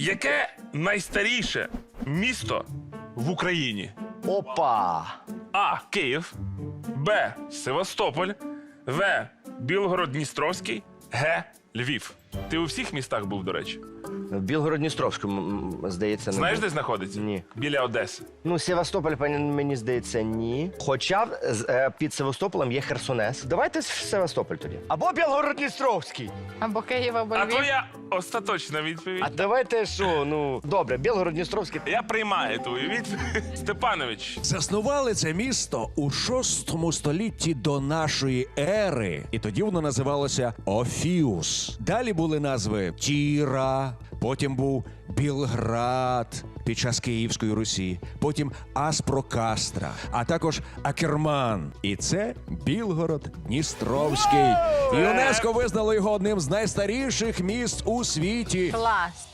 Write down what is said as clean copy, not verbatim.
Яке найстаріше місто в Україні? Опа! А. Київ. Б. Севастополь. В. Білгород-Дністровський. Г. Львів. Ти у всіх містах був, до речі? В Білгород-Дністровському, здається, не Знаєш, був. де знаходиться? Ні. Біля Одеси. Ну, Севастополь, мені здається, ні. Хоча під Севастополем є Херсонес. Давайте в Севастополь тоді. Або Білгород-Дністровський. Або Київ, або А Львів. твоя остаточна відповідь? А давайте що, ну, добре, Білгород-Дністровський. Я приймаю твою відповідь. Степанович. Заснували це місто у 6 столітті до нашої ери, і тоді воно називалося Офіус. Далі були назви Тіра, потім був Білград під час Київської Русі, потім Аспрокастра, а також Акерман. І це Білгород-Дністровський. ЮНЕСКО визнало його одним з найстаріших міст у світі. Клас.